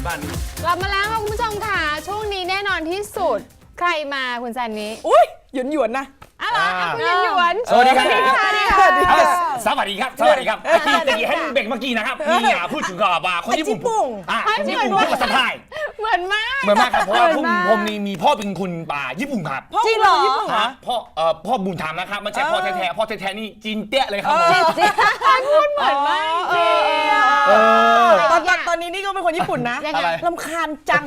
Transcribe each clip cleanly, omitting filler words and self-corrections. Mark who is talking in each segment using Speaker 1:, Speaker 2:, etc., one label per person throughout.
Speaker 1: บ้านนี้
Speaker 2: กลับมาแล้วค่ะคุณผู้ชมค่ะช่วงนี้แน่นอนที่สุดใครมาคุณซันนี้
Speaker 3: อุ้ยหยวนนะ
Speaker 2: อะไรคุณหยวน
Speaker 1: สวัสดีครับ
Speaker 3: สวัสดีค่ะ
Speaker 1: สวัสดีครับสวัสดีครับตะกี้ให้เบรกเมื่อกี้นะครับมีพูดถึงกับคนญี่ปุ่นคนญี่ปุ่นพูดภาษาไทย
Speaker 2: เหมือนมาก
Speaker 1: ครับเพราะว่าผมนี่มีพ่อเป็นคนญี่ปุ่นครับ
Speaker 3: จริงเหรอ
Speaker 1: พ่อบุญธรรมนะครับไม่ใช่พ่อแท้ๆพ่อแท้ๆนี่จีนเตี้ยเลยครับ
Speaker 2: พูดเหมือนมากจริง
Speaker 3: ตอนนี้นี่ก็เป็นคนญี่ปุ่นนะรำคาญจัง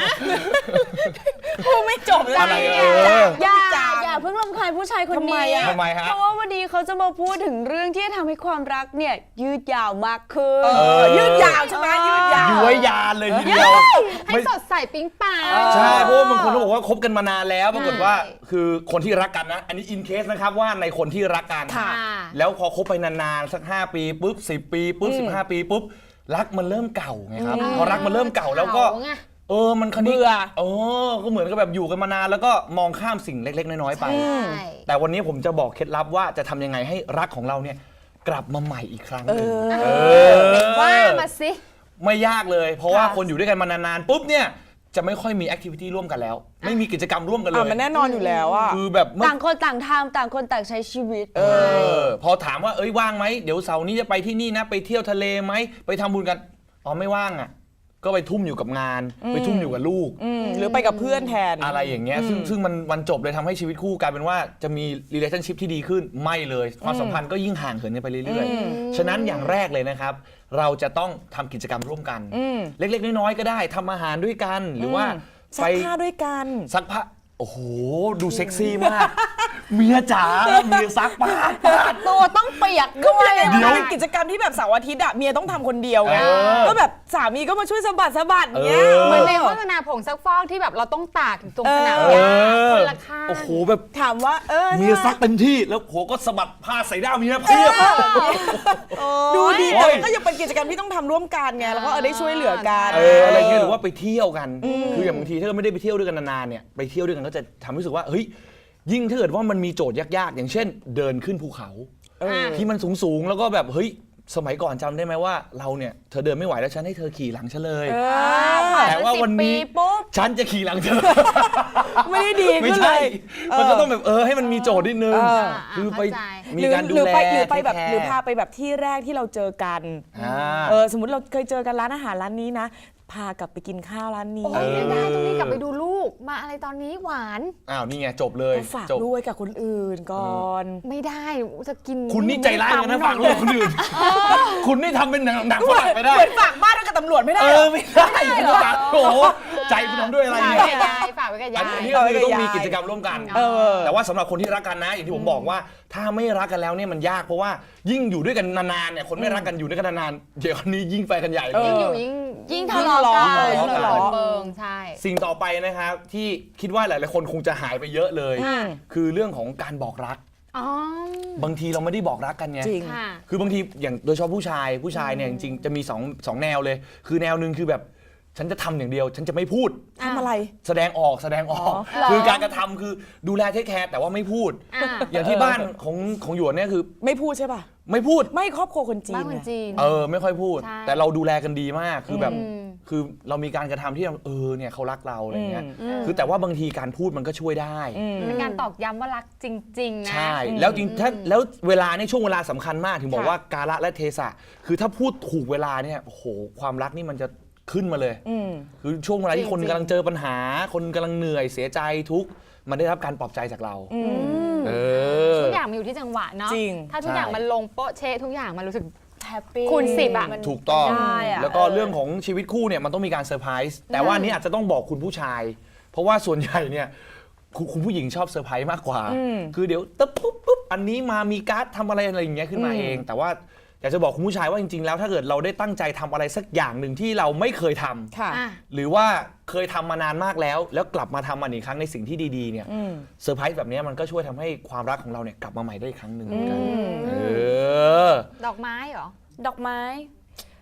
Speaker 3: พูดไม่จบเลย
Speaker 4: อย่าเพิ่งรำคาญผู้ชายคนนี้
Speaker 1: ทำไมฮะ
Speaker 4: เพราะว่าวันนี้เขาจะมาพูดถึงเรื่องที่จะทำให้ความรักเนี่ยยืดยาวมากขึ้น
Speaker 3: ยืดยาวใช่ไหมยืดยาว
Speaker 1: ย้วยยานเลยทีเดียว
Speaker 2: ให้สดใสปิ๊งปัง
Speaker 1: ใช่เพราะว่าบางคนเขาบอกว่าคบกันมานานแล้วปรากฏว่าคือคนที่รักกันนะอันนี้อินเคสนะครับว่าในคนที่รักกันแล้วพอคบไปนานๆสัก5 ปีปุ๊บ10 ปีปุ๊บ15 ปีปุ๊บรักมันเริ่มเก่าไงครับพอรักมันเริ่มเก่าแล้วก็มันคันนี้ก็เหมือนกับแบบอยู่กันมานานแล้วก็มองข้ามสิ่งเล็กๆน้อยๆไปแต่วันนี้ผมจะบอกเคล็ดลับว่าจะทำยังไงให้รักของเราเนี่ยกลับมาใหม่อีกครั้งนึง
Speaker 2: ว่ามาสิ
Speaker 1: ไม่ยากเลยเพราะว่าคนอยู่ด้วยกันมานานๆปุ๊บเนี่ยจะไม่ค่อยมีแอคทิวิตี้ร่วมกันแล้วไม่มีกิจกรรมร่วมกันเลย
Speaker 3: มันแน่นอนอยู่แล้วอ่ะ
Speaker 1: คือแบบ
Speaker 4: ต่างคนต่างทำต่างคนต่างใช้ชีวิต
Speaker 1: พอถามว่าว่างไหมเดี๋ยวเสาร์นี้จะไปที่นี่นะไปเที่ยวทะเลไหมไปทำบุญกันไม่ว่างอ่ะก็ไปทุ่มอยู่กับงานไปทุ่มอยู่กับลูก
Speaker 3: หรือไปกับเพื่อนแทน
Speaker 1: อะไรอย่างเงี้ยซึ่งมันจบเลยทำให้ชีวิตคู่กลายเป็นว่าจะมี relationship ที่ดีขึ้นไม่เลยความสัมพันธ์ก็ยิ่งห่างเหินกันไปเรื่อยๆฉะนั้นอย่างแรกเลยนะครับเราจะต้องทำกิจกรรมร่วมกันเล็กๆน้อยๆก็ได้ทำอาหารด้วยกันหรือว่า
Speaker 3: ซักผ้าด้วยกัน
Speaker 1: ซักผ้าโอ้โหดูเซ็กซี่มากเมียจ๋าเมียซักผ้า
Speaker 4: ตัวต้องเปียกด้วย
Speaker 3: เดี๋ยวเป็นกิจกรรมที่แบบเสาร์อาทิตย์อะเมียต้องทำคนเดียวไงก็แบบสามีก็มาช่วยสะบัดเงี้ย
Speaker 2: เหมือนในโฆษณาผงซักฟอกที่แบบเราต้องตากตรงสนามหญ้าคนละข้าง
Speaker 1: โอ้โหแบบ
Speaker 3: ถามว่า
Speaker 1: เมียซักเต็มที่แล้วโหก็สะบัดผ้าใส่ด้ามเมียเพียบ
Speaker 3: ดูดีแต่ก็ยังเป็นกิจกรรมที่ต้องทำร่วมกันไงแล้วก็ได้ช่วยเหลือกัน
Speaker 1: อะไรเงี้ยหรือว่าไปเที่ยวกันคืออย่างบางทีถ้าไม่ได้ไปเที่ยวด้วยกันนานๆเนี่ยไปเที่ยวด้วยกันก็จะทำให้รู้สึกว่าเฮ้ยยิ่งถ้าเกิดว่ามันมีโจทย์ยากๆอย่างเช่นเดินขึ้นภูเขาที่มันสูงๆแล้วก็แบบเฮ้ยสมัยก่อนจำได้ไหมว่าเราเนี่ยเธอเดินไม่ไหวแล้วฉันให้เธอขี่หลังฉันเลยแต่ว่าวันนี้ฉันจะขี่หลังเธอ
Speaker 3: ไม่ได้ดี
Speaker 1: ไม่ใช่มันก็ต้องแบบให้มันมีโจทย์นิดนึงคือไปมีการดูแล
Speaker 3: หรือพาไปแบบที่แรกที่เราเจอกันสมมติเราเคยเจอกันร้านอาหารร้านนี้นะพากลับไปกินข้าวร้านนี้
Speaker 2: ไม่ได้ตรงนี้กลับไปดูลูกมาอะไรตอนนี้หวาน
Speaker 1: นี่ไงจบเลย
Speaker 3: ฝากด้วยกับคนอื่นก่อน
Speaker 2: ไม่ได้จะกิน
Speaker 1: คุณนี่ใจร้ายเลยนะฝากลูกคนอื่นคุณนี่ทำเป็นหนังฝรั่งไม่ได้
Speaker 3: เหมือนฝากบ้านกับตำรวจไม่ได้
Speaker 1: ไม่ได้คุณฝากโอ้ใจคุณทำด้วยอะไรเนี่ย
Speaker 2: ฝากไว้กับยาย
Speaker 1: อันนี้คือต้องมีกิจกรรมร่วมกันแต่ว่าสำหรับคนที่รักกันนะอย่างที่ผมบอกว่าถ้าไม่รักกันแล้วเนี่ยมันยากเพราะว่ายิ่งอยู่ด้วยกันนานๆเนี่ยคนไม่รักกันอยู่ด้วยกันนานๆเดี๋ยวนี้ยิ่งไปกันใหญ่
Speaker 2: ยิ่งอยู่ยิ่งทะเลาะกันเบิงใช่
Speaker 1: สิ่งต่อไปนะครับที่คิดว่าหลายๆคนคงจะหายไปเยอะเลยคือเรื่องของการบอกรักบางทีเราไม่ได้บอกรักกันไงคือบางทีอย่างโดยเฉพาะผู้ชายเนี่ยจริงๆจะมีสองแนวเลยคือแนวนึงคือแบบฉันจะทำอย่างเดียวฉันจะไม่พูด
Speaker 3: ทำอะไร
Speaker 1: แสดงออกคือการกระทำคือดูแลเทคแคร์แต่ว่าไม่พูดอย่างที่บ้านของหยวนเนี่ยคือ
Speaker 3: ไม่พูดใช่ป่ะ
Speaker 1: ไม่พูด
Speaker 3: ไม่ครอบครัวคนจีน
Speaker 1: ไม่ค่อยพูดแต่เราดูแลกันดีมากคือแบบคือเรามีการกระทำที่เนี่ยเขารักเราอะไรเงี้ยคือแต่ว่าบางทีการพูดมันก็ช่วยได้
Speaker 2: เป็นการตอกย้ำว่ารักจริงๆนะ
Speaker 1: ใช่แล้วจริงแล้วเวลาในช่วงเวลาสำคัญมากถึงบอกว่ากาลและเทศะคือถ้าพูดถูกเวลาเนี่ยโอ้โหความรักนี่มันจะขึ้นมาเลยคือช่วงเวลาที่คนกำลังเจอปัญหาคนกำลังเหนื่อยเสียใจทุกมันได้รับการปลอบใจจากเรา
Speaker 2: ทุกอย่างมันอยู่ที่จังหวะเนาะถ้าทุกอย่างมันลงโป๊ะเชะทุกอย่างมันรู้สึก
Speaker 4: แฮปปี้
Speaker 2: คูณ10
Speaker 1: ถูกต้องแล้วก็เรื่องของชีวิตคู่เนี่ยมันต้องมีการเซอร์ไพรส์แต่ว่านี้อาจจะต้องบอกคุณผู้ชายเพราะว่าส่วนใหญ่เนี่ยคุณผู้หญิงชอบเซอร์ไพรส์มากกว่าคือเดี๋ยวปุ๊บอันนี้มามีการ์ดทำอะไรอย่างเงี้ยขึ้นมาเองแต่ว่าอยากจะบอกคุณผู้ชายว่าจริงๆแล้วถ้าเกิดเราได้ตั้งใจทำอะไรสักอย่างหนึ่งที่เราไม่เคยทำหรือว่าเคยทำมานานมากแล้วกลับมาทำมันอีกครั้งในสิ่งที่ดีๆเนี่ยเซอร์ไพรส์แบบนี้มันก็ช่วยทำให้ความรักของเราเนี่ยกลับมาใหม่ได้อีกครั้งหนึ่งเหมือนกัน
Speaker 2: ดอกไม้เหรอ
Speaker 4: ดอกไม้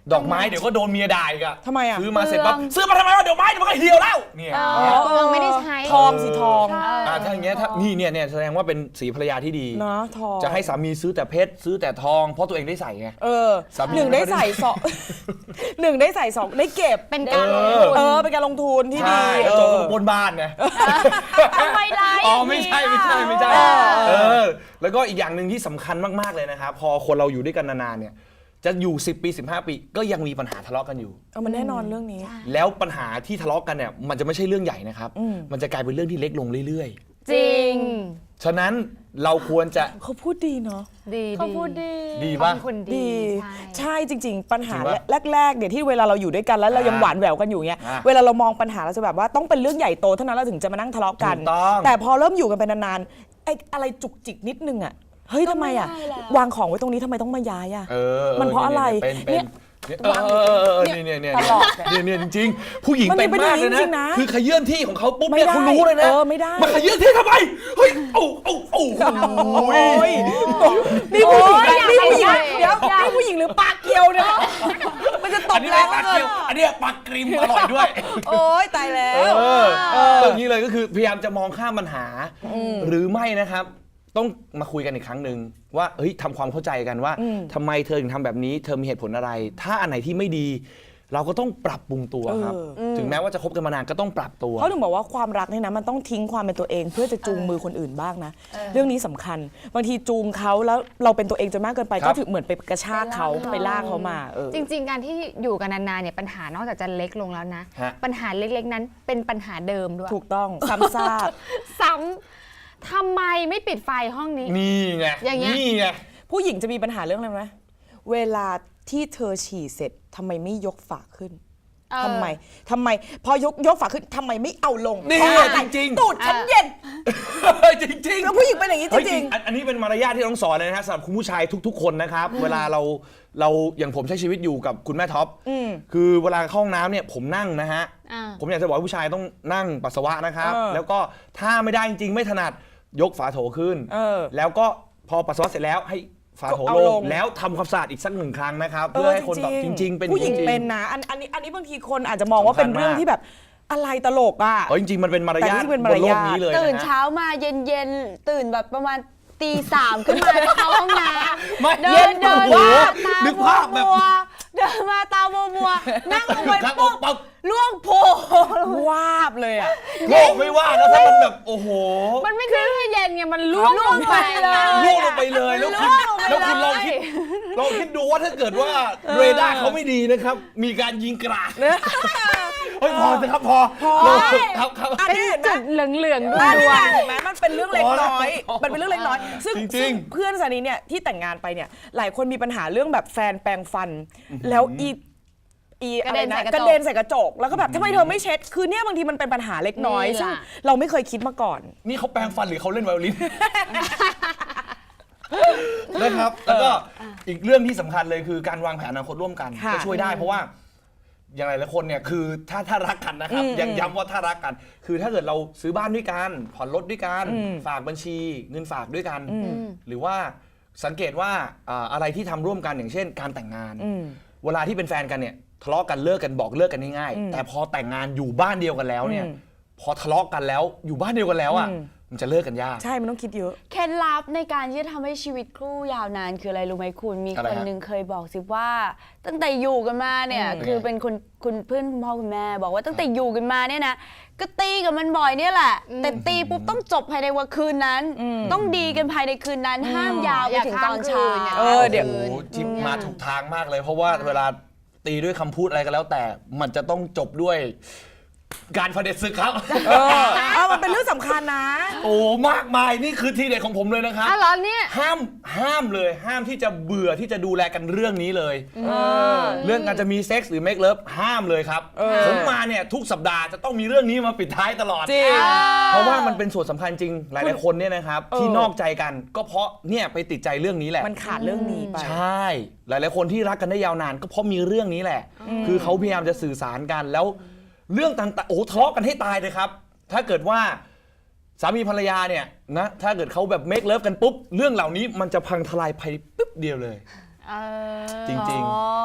Speaker 1: ดอกไม้เดี๋ยวก็โดนเมียด่าอีกอะ
Speaker 3: ทำไมอะ
Speaker 1: ซื้อมาเสร็จปั๊บซื้อมาทำไมวะเดี๋ยวไม้เดี๋ยวมันก็เหี่ยวแล้วเนี่ย
Speaker 2: เปลืองไม่ได้ใช้
Speaker 3: ทองสีทอง
Speaker 1: ถ้าอย่างเงี้ยถ้านี่เนี่ยแสดงว่าเป็นสีภรรยาที่ดี
Speaker 3: เนาะทอง
Speaker 1: จะให้สามีซื้อแต่เพชรซื้อแต่ทองเพราะตัวเองได้ใส่ไง สามี
Speaker 3: หนึ่งได้ใส่สองหนึ่งได้ใส่สองได้เก็บ
Speaker 2: เป็นการลงทุน
Speaker 3: เป็นการลงทุนที่ดี
Speaker 1: ใช่แล้วโจรก็มาปล้นบ้านไง
Speaker 2: ทำไมล่ะ
Speaker 1: อ๋อไม่ใช่แล้วก็อีกอย่างหนึ่งที่สำคัญมากๆเลยนะครับพอคนเราอยู่ด้วยกันนานๆเนี่ยจะอยู่10 ปี15 ปีก็ยังมีปัญหาทะเลาะกันอยู่
Speaker 3: มันแน่นอนเรื่องนี้
Speaker 1: แล้วปัญหาที่ทะเลาะกันเนี่ยมันจะไม่ใช่เรื่องใหญ่นะครับมันจะกลายเป็นเรื่องที่เล็กลงเรื่อย
Speaker 2: จริง
Speaker 1: ๆฉะนั้นเราควรจะ
Speaker 3: เขาพูดดีเนาะ
Speaker 2: ดี
Speaker 4: เขาพูดดี
Speaker 1: ดีป่ะ
Speaker 2: เป็นคนดี
Speaker 3: ดี
Speaker 2: ใช่
Speaker 3: ใช่จริง ๆ ปัญหา
Speaker 1: จริงปะ
Speaker 3: แรกๆเนี่ยที่เวลาเราอยู่ด้วยกันแล้วเรายังหวานแหววกันอยู่เงี้ย
Speaker 1: อ่ะ
Speaker 3: เวลาเรามองปัญหาเราจะแบบว่าต้องเป็นเรื่องใหญ่โตเท่านั้นเราถึงจะมานั่งทะเลาะกัน
Speaker 1: ถูกต้อง
Speaker 3: แต่พอเริ่มอยู่กันไปนานๆไอ้อะไรจุกจิกนิดนึงอ่ะเฮ้ยทำไมอ่ะ
Speaker 4: ไม่ได้แล้ว
Speaker 3: วางของไว้ตรงนี้ทำไมต้องมาย้ายอ่ะ มันเพราะอะไร
Speaker 1: เป็นเนี่ย
Speaker 3: ตลอดเนี่ย
Speaker 1: เนี่ยจริงๆผู้หญิง
Speaker 3: มัน
Speaker 1: เป็นมากเลย
Speaker 3: เป็นอย่างนี้จริงๆ
Speaker 1: นะ
Speaker 3: นะ
Speaker 1: คือขยื่นที่ของเขาปุ๊บ
Speaker 3: ไม่
Speaker 1: เนี่ย
Speaker 3: ได้
Speaker 1: เขารู้เลยนะ
Speaker 3: ไม่ได้
Speaker 1: มาขยื่นที่ทำไมเฮ้ยโอ้ย
Speaker 3: นี่ผู้หญิง
Speaker 2: โอ้ย
Speaker 3: นี่ผู้หญิง
Speaker 2: อยาก
Speaker 3: เดี๋ยว
Speaker 2: อยาก
Speaker 3: นี่ผู้หญิงหรือปากเกียวเนี่ยมันจะต
Speaker 1: อั
Speaker 3: บ
Speaker 1: นนี้
Speaker 3: แร
Speaker 1: ไม่
Speaker 3: ง
Speaker 1: ปลา
Speaker 3: เกิ
Speaker 1: เกี
Speaker 3: น
Speaker 1: ยวอันนี้ปลากริมอร่อยด้วย
Speaker 3: โอ๊ยตายแล้ว
Speaker 1: ตรงนี้เลยก็คือพยายามจะมองข้ามปัญหา หรือไม่นะครับ ต้องมาคุยกันอีกครั้งหนึ่งว่าเฮ้ยทำความเข้าใจกันว่าทำไมเธอถึงทำแบบนี้เธอมีเหตุผลอะไร ถ้าอันไหนที่ไม่ดี เราก็ต้องปรับปรุงตัวครับ ถึงแม้ว่าจะคบกันมานานก็ต้องปรับตัว
Speaker 3: เขาถึงบอกว่าความรักเนี่ยนะมันต้องทิ้งความเป็นตัวเอง เพื่อจะจูงมือคนอื่นบ้างนะ เรื่องนี้สำคัญบางทีจูงเขาแล้วเราเป็นตัวเองจนมากเกินไป
Speaker 1: ครั
Speaker 3: ก็
Speaker 1: บ
Speaker 3: ถือเหมือนไปกระชากเขาไปลากเขามา
Speaker 2: จริงๆ การที่อยู่กันนานๆเนี่ยปัญหานอกจากจะเล็กลงแล้วนะ
Speaker 1: ฮะ
Speaker 2: ปัญหาเล็กๆนั้นเป็นปัญหาเดิมด้วย
Speaker 3: ถูกต้องซ้ำซาก
Speaker 2: ซ้ำทำไมไม่ปิดไฟห้องนี้
Speaker 1: นี่ไง
Speaker 2: อย่างเงี้ย
Speaker 1: นี่ไง
Speaker 3: ผู้หญิงจะมีปัญหาเรื่องอะไรไหมเวลาที่เธอฉี่เสร็จทำไมไม่ยกฝาขึ้นทำไมพอยกฝาขึ้นทำไมไม่เอาลง
Speaker 1: นี่
Speaker 3: เพราะอะไร
Speaker 1: จริงๆ
Speaker 3: ตูดฉันเย็น
Speaker 1: จริงๆ
Speaker 3: แล้วผู้หญิงเป็นอย่างนี้จ
Speaker 1: เฮ้ย
Speaker 3: ริง
Speaker 1: อันนี้เป็นมารยาทที่ต้องสอนเลยนะฮะสำหรับคุณผู้ชายทุกๆคนนะครับ เวลาเราอย่างผมใช้ชีวิตอยู่กับคุณแม่ท็อปคือเวลาเข้าห้องน้ำเนี่ยผมนั่งนะฮะ
Speaker 2: อ่า
Speaker 1: ผมอยากจะบอกว่าผู้ชายต้องนั่งปัสสาวะนะครับ
Speaker 3: เออ
Speaker 1: แล้วก็ถ้าไม่ได้จริงๆไม่ถนัดยกฝาโถขึ้น แล้วก็พอปัสสาวะเสร็จแล้วให้ฝาโถ
Speaker 3: เอา
Speaker 1: ล
Speaker 3: ล
Speaker 1: ง
Speaker 3: ง
Speaker 1: แล้วทำความสะอาดอีกสักหนึ่งครั้งนะครับเพื่อให้คนแบบจริงๆเป็น
Speaker 3: ผู้หญิง
Speaker 1: จริๆ
Speaker 3: เป็นนะอันนี้บางทีคนอาจจะมองว่าเป็นเรื่องที่แบบอะไรตลกอ่ะ
Speaker 1: จริงๆมันเป็นมารยาท
Speaker 3: แต่นี่เป็น
Speaker 1: บ
Speaker 3: มาร
Speaker 1: นโล
Speaker 3: ยาท
Speaker 1: กนี้เลยนะ
Speaker 4: ตื่น
Speaker 1: ฮะ
Speaker 4: เช้ามาเย็นๆตื่นแบบประมาณตีสามขึ้นมาจะเข้าห้องน้
Speaker 1: ไม่
Speaker 4: ำเดิ
Speaker 1: เย็
Speaker 4: น
Speaker 1: น
Speaker 4: เดิน
Speaker 1: โอ้โห
Speaker 4: มาตา
Speaker 1: นึกภาพแบบ
Speaker 4: มัวๆเดินมาตามัวๆนั่งลงไป
Speaker 1: ครับ
Speaker 4: ปุ๊บ
Speaker 1: ปั๊บ
Speaker 4: ล่วงโพ
Speaker 3: วาบเลยอ่ะ
Speaker 1: โลกไม่ว่านะถ้ามันแบบโอ้โห
Speaker 2: มันไม่ใช่ว่าเย็นไงมันล่วงลงไป
Speaker 4: เลย
Speaker 1: ล่วงลงไปเลยแล้วคุณลองคิดดูว่าถ้าเกิดว่าเรดาร์เขาไม่ดีนะครับ มีการยิงกราดเฮ้ยพอสิครับพอครับ
Speaker 3: อันนี้เห็นไหม
Speaker 2: จุดเหลืองๆด้ว
Speaker 3: อั
Speaker 2: ย
Speaker 3: นนี้
Speaker 2: ด้วย
Speaker 3: เห็นไหมมันเป็นเรื่องเล็กน้อย
Speaker 1: พอแล้ว
Speaker 3: มันเป็นเรื่องเล็กน้อย ซึ่ง
Speaker 1: จริงๆ
Speaker 3: ซึ่งเพื่อนสานีเนี่ยที่แต่งงานไปเนี่ยหลายคนมีปัญหาเรื่องแบบแฟนแปรงฟัน แล้วอะไรนะกระเด็นใส่กระจกแล้วก็แบบทำไมเธอไม่เช็ดคือเนี่ยบางทีมันเป็นปัญหาเล็กน้อย
Speaker 2: นี่แหละ
Speaker 3: ซึ่งเราไม่เคยคิดมาก่อน
Speaker 1: นี่เขาแปลงฟันหรือเขาเล่นไวโอลิน นะครับแล้วก็อีกเรื่องที่สำคัญเลยคือการวางแผนอนาคตร่วมกัน
Speaker 3: ค่ะ
Speaker 1: จะช่วยได้เพราะว่าอย่างไรหลายคนเนี่ยคือถ้ารักกันนะครับยังย้ำว่าถ้ารักกัน คือถ้าเกิดเราซื้อบ้านด้วยกันผ่อนรถด้วยกันฝากบัญชีเงินฝากด้วยกัน หรือว่าสังเกตว่าอะไรที่ทำร่วมกันอย่างเช่น การแต่งงาน เวลาที่เป็นแฟนกันเนี่ยทะเลาะกันเลิกกันบอกเลิกกันง่ายๆแต่พอแต่งงานอยู่บ้านเดียวกันแล้วเนี่ยพอทะเลาะกันแล้วอยู่บ้านเดียวกันแล้วอ่ะมันจะเลิกกันยาก
Speaker 3: ใช่มันต้องคิดเยอะ
Speaker 4: เคล็ดลับในการที่จะทำให้ชีวิตคู่ยาวนานคืออะไรรู้ไหมคุณมี
Speaker 1: อะไร
Speaker 4: คน
Speaker 1: ฮะ
Speaker 4: หนึ่งเคยบอกสิว่า ตั้งแต่อยู่กันมาเนี่ยคือเป็นคุณเพื่อนคุณพ่อคุณแม่ บอกว่าตั้งแต่อยู่กันมาเนี่ยนะก็ตีกับมันบ่อยเนี่ยแหละแต่ตีปุ๊บต้องจบภายในวันคืนนั้น ต้องดีกันภายในคืนนั้นห้ามยาวไปถึงตอนเช้า
Speaker 3: เดี๋ยว
Speaker 1: โอ้โหจิบมาถูกทางมากเลย เพราะว่าเวลาตีด้วยคำพูดอะไรก็แล้ว แต่มันจะต้องจบด้วยการเผด็จศึกครับ
Speaker 3: มันเป็นเรื่องสำคัญนะ
Speaker 1: โอ้มากมายนี่คือทีเด็ดของผมเลยนะครับ
Speaker 2: อ้าวเหรอเนี่ย
Speaker 1: ห้ามเลยห้ามที่จะเบื่อที่จะดูแลกันเรื่องนี้เลยเรื่องการจะมีเซ็กส์หรือเมคเลิฟห้ามเลยครับผมมาเนี่ยทุกสัปดาห์จะต้องมีเรื่องนี้มาปิดท้ายตลอด
Speaker 3: จริง
Speaker 1: เพราะว่ามันเป็นส่วนสำคัญจริงหลายๆคนเนี่ยนะครับที่นอกใจกันก็เพราะเนี่ยไปติดใจเรื่องนี้แหละ
Speaker 3: มันขาดเรื่องนี้ไป
Speaker 1: ใช่ หลายๆคนที่รักกันได้ยาวนานก็เพราะมีเรื่องนี้แหละ คือเขาพยายามจะสื่อสารกันแล้วเรื่องต่างๆโอ้ทะเลาะกันให้ตายเลยครับ ถ้าเกิดว่าสามีภรรยาเนี่ยนะถ้าเกิดเขาแบบเมคเลิฟกันปุ๊บเรื่องเหล่านี้มันจะพังทลายภายปุ๊บเดียวเลย จริง
Speaker 2: แต่ถ้าเกิด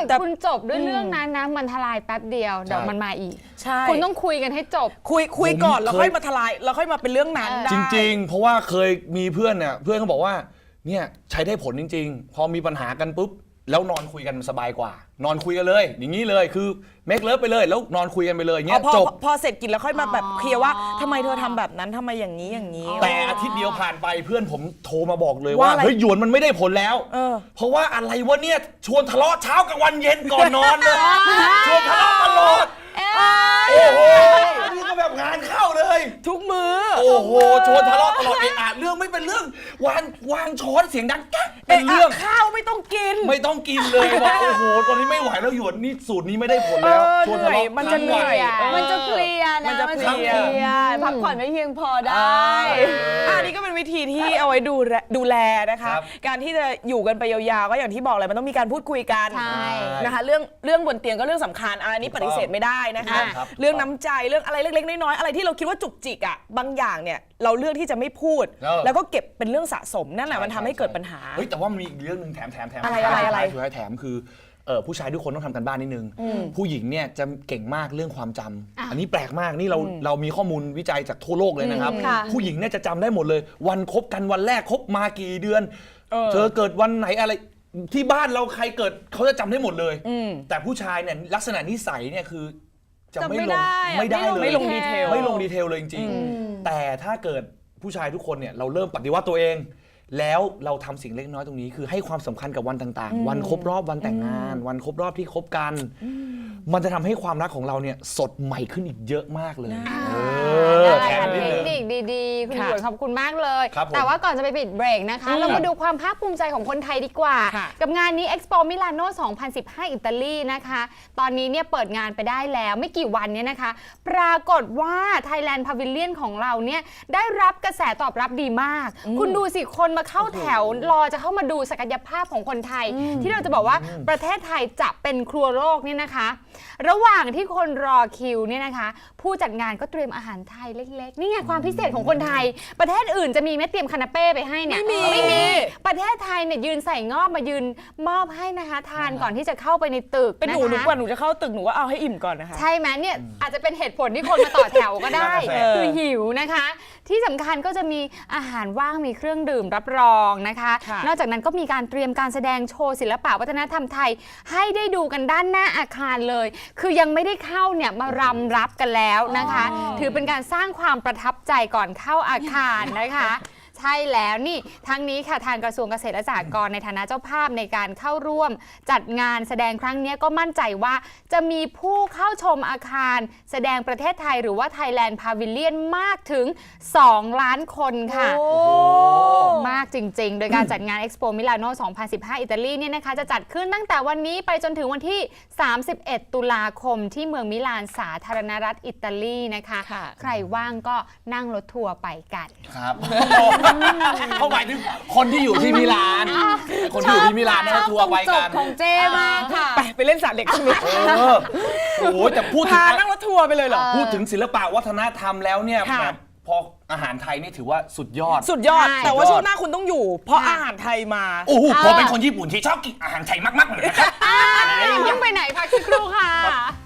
Speaker 3: แต่
Speaker 2: คุณจบด้วยเรื่องนั้นนะมันทลายแป๊บเดียวเดี๋ยวมันมาอีก
Speaker 3: ใช่
Speaker 2: คุณต้องคุยกันให้จบ
Speaker 3: คุยก่อน
Speaker 1: ผม
Speaker 3: แล้ว
Speaker 1: เคย
Speaker 3: ค่อยมาทลายแล้วค่อยมาเป็นเรื่องนั้นได้
Speaker 1: จริง ๆ เพราะว่าเคยมีเพื่อนเนี่ยเพื่อนเขาบอกว่าเนี่ยใช้ได้ผลจริง ๆ พอมีปัญหากันปุ๊บแล้วนอนคุยกันสบายกว่า นอนคุยกันเลย อย่างนี้เลยคือเมคเลิฟไปเลยแล้วนอนคุยกันไปเลยอย่างเงี้ย
Speaker 3: พอ
Speaker 1: จบ
Speaker 3: พอเสร็จกินแล้วค่อยมาแบบเคลียร์ว่าทำไมเธอทำแบบนั้นทำไมอย่างนี้อย่างนี้
Speaker 1: แต่อาทิตย์เดียวผ่านไปเพื่อนผมโทรมาบอกเลย
Speaker 3: ว่า
Speaker 1: ว่า
Speaker 3: อะไร
Speaker 1: เฮ้ยหยวนมันไม่ได้ผลแล้ว เพราะว่าอะไรวะเนี่ยชวนทะเลาะเช้ากลางวันเย็นก่อนนอนเลยชวนทะเลาะตลอดโอ้โหนี่ก็แบบงานเข้าเลย
Speaker 3: ทุกมือ
Speaker 1: โอ้โหชวนทะเลาะตลอดเรื่องไม่เป็นเรื่องวางช้อนเสียงดังกั๊กเป็นเรื่อง
Speaker 3: ข้าวไม่ต้องกิน
Speaker 1: ไม่ต้องกินเลยบอกโอ้โหตอนนี้ไม่ไหวแล้วหยวนนี่สูตรนี้ไม่ได้ผลแล้วชวนทะเลาะ
Speaker 3: มันจะเหนื่อย
Speaker 1: ทั้งวัน
Speaker 4: มันจะเพลียนะ
Speaker 3: มันจะเพลีย
Speaker 4: พักผ่อนไม่เพียงพอได้
Speaker 3: อันนี้ก็เป็นวิธีที่เอาไว้ดูแลนะคะ
Speaker 1: ครับ
Speaker 3: การที่จะอยู่กันไปยาวๆก็อย่างที่บอกเลยมันต้องมีการพูดคุยกัน
Speaker 2: ใช่
Speaker 3: นะคะเรื่องบนเตียงก็เรื่องสำคัญอันนี้ปฏิเสธไม่ได้นะคะ
Speaker 1: ครับ
Speaker 3: เรื่องน้ำใจเรื่องอะไรเล็กๆน้อยๆอะไรที่เราคิดว่าจุกจิกอ่ะบางอย่างเนี่ยเราเลือกที่จะไม่พูด แล้วก็เก็บเป็นเรื่องสะสมนั่นแหละมันทำให้เกิดปัญหา
Speaker 1: เฮ้ยแต่ว่ามีอีกเรื่องหนึงแถม
Speaker 3: อะไร
Speaker 1: สุดท้ายแถมคือผู้ชายทุกคนต้องทำกันบ้านนิดนึง ผู้หญิงเนี่ยจะเก่งมากเรื่องความจำอันนี้แปลกมากนี่เรามีข้อมูลวิจัยจากทั่วโลกเลยนะครับ
Speaker 4: ค่ะ
Speaker 1: ผู้หญิงเนี่ยจะจำได้หมดเลย วันคบกันวันแรกคบมากี่เดือน เธอเกิดวันไหนอะไรที่บ้านเราใครเกิดเขาจะจำได้หมดเลยแต่ผู้ชายเนี่ยลักษณะนิสัยเนี่ยคือจะไม่ลง
Speaker 4: จำไม่ได้
Speaker 1: ไม่ได้เลย
Speaker 3: ไม่ลงดีเทล
Speaker 1: ไม่ลงดีเทลเลยจริงๆแต่ถ้าเกิดผู้ชายทุกคนเนี่ยเราเริ่มปฏิวัติตัวเอง แล้วเราทำสิ่งเล็กน้อยตรงนี้คือให้ความสำคัญกับวันต่างๆ วันครบรอบวันแต่งงาน วันครบรอบที่คบกัน มันจะทำให้ความรักของเราเนี่ยสดใหม่ขึ้นอีกเยอะมากเลย
Speaker 2: ได้
Speaker 1: แถม
Speaker 2: ค่ะ
Speaker 1: นิด
Speaker 2: เท
Speaker 1: นึ
Speaker 2: ค
Speaker 1: ง
Speaker 2: นิคดีๆ คุณห
Speaker 3: ค่ะ
Speaker 2: ยวนขอบคุณมากเลย
Speaker 1: ครับผม
Speaker 2: แต่ว่าก่อนจะไปปิดเบรกนะคะ เรามาดูความภาคภูมิใจของคนไทยดีกว่า
Speaker 3: ค่ะ
Speaker 2: กับงานนี้ Expo Milano 2015 อิตาลีนะคะ ตอนนี้เนี่ยเปิดงานไปได้แล้วไม่กี่วันเนี่ยนะคะ ปรากฏว่า Thailand Pavilion ของเราเนี่ยได้รับกระแสตอบรับดีมาก คุณดูสิคนมาเข้าแถวรอจะเข้ามาดูศักยภาพของคนไทย ที่เราจะบอกว่าประเทศไทยจะเป็นครัวโลกเนี่ยนะคะ ระหว่างที่คนรอคิวเนี่ยนะคะ ผู้จัดงานก็เตรียมอาหารไทยเล็กๆ นี่ไงความพิเศษของคนไทย ประเทศอื่นจะมีไหมเตรียมคานาเป้ไปให้เนี่ย ไม่มี ประเทศไทยเนี่ยยืนใส่งอบมายืนมอบให้นะคะทานก่อนที่จะเข้าไปในตึก
Speaker 3: เป็นหนู
Speaker 2: นะคะ
Speaker 3: กว่าหนูจะเข้าตึกหนูว่าเอาให้อิ่มก่อนนะคะ
Speaker 2: ใช่ไหมเนี่ยอาจจะเป็นเหตุผลที่คนมาต่อแถวก็ได้
Speaker 1: นั่นน่ะสิ
Speaker 2: คือหิวนะคะ ที่สำคัญก็จะมีอาหารว่างมีเครื่องดื่มรับรองนะคะ
Speaker 3: ค่ะ
Speaker 2: นอกจากนั้นก็มีการเตรียมการแสดงโชว์ศิลปะวัฒนธรรมไทย ให้ได้ดูกันด้านหน้าอาคารเลย คือยังไม่ได้เข้าเนี่ยมารำรับกันแล้วนะคะ ถือเป็นการสร้างความประทับใจก่อนเข้าอาคารนะคะ ใช่แล้วนี่ทั้งนี้ค่ะทางกระทรวงเกษตรและสหกรณ์ในฐานะเจ้าภาพในการเข้าร่วม จัดงานแสดงครั้งนี้ก็มั่นใจว่าจะมีผู้เข้าชมอาคาร แสดงประเทศไทยหรือว่า Thailand Pavilion มากถึง 2 ล้านคนค่ะ มากจริงๆ โดยการจัดงาน Expo Milano 2015 อิตาลีเนี่ยนะคะจะจัดขึ้นตั้งแต่วันนี้ไปจนถึงวันที่ 31 ตุลาคมที่เมืองมิลานสาธารณรัฐอิตาลีนะคะ
Speaker 3: ค่ะ
Speaker 2: ใครว่างก็นั่งรถทัวร์ไปกัน
Speaker 1: ครับเขาหมายถึงคนที่อยู่ที่มิลาน คนที่อยู่ที่มิลานนะทัวร์ไป
Speaker 4: จ
Speaker 1: กับ น
Speaker 4: ของเจมากค่ะ
Speaker 3: ไปเล่นสระเด็กตรงนี้
Speaker 1: โอ้โหแต่พูดถึง
Speaker 3: พานั่งรถทัวร์ไปเลยเหรอ
Speaker 1: พูดถึงศิลปะวัฒนธรรมแล้วเนี่ย
Speaker 3: ค่ะ
Speaker 1: แบบพออาหารไทยนี่ถือว่าสุดยอด
Speaker 3: สุดยอด
Speaker 2: ใช่
Speaker 3: แต่ว่าช่วงหน้าคุณต้องอยู่ เพราะอาหารไทยมา
Speaker 1: โอ้โหผมเป็นคนญี่ปุ่นที่ชอบกินอาหารไทยมากๆเลยนะครับ
Speaker 2: ยังไปไหนพักสักครู่ค่ะ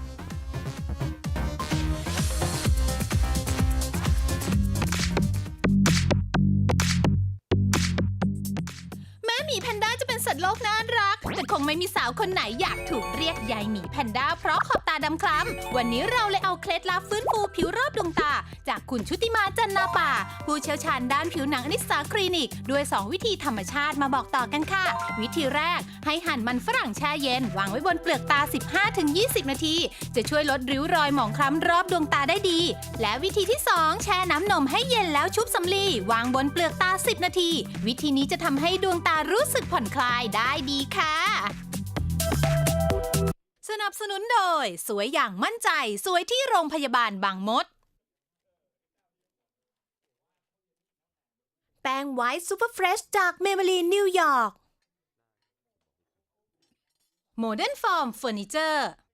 Speaker 5: แม้หมีแพนด้าจะเป็นสัตว์โลกน่ารัก แต่คงไม่มีสาวคนไหนอยากถูกเรียกยายหมีแพนด้าเพราะขอบตาดำคล้ำวันนี้เราเลยเอาเคล็ดลับฟื้นฟูผิวรอบดวงตา จากคุณชุติมาจันนาป่า ผู้เชี่ยวชาญด้านผิวหนังอนิสสาคลินิก ด้วย 2 วิธีธรรมชาติมาบอกต่อกันค่ะ วิธีแรกให้หั่นมันฝรั่งแช่เย็น วางไว้บนเปลือกตา 15-20 นาที จะช่วยลดริ้วรอยหมองคล้ำรอบดวงตาได้ดี และวิธีที่ 2 แช่น้ำนมให้เย็นแล้วชุบสำลีวางบนเปลือกตา 10 นาที วิธีนี้จะทำให้ดวงตารู้สึกผ่อนคลายได้ดีค่ะ สนับสนุนโดยสวยอย่างมั่นใจสวยที่โรงพยาบาลบางมด แป้งไวท์ซูเปอร์เฟรชจากเมเบลีนนิวยอร์ก โมเดิร์นฟอร์มเฟอร์นิเจอร์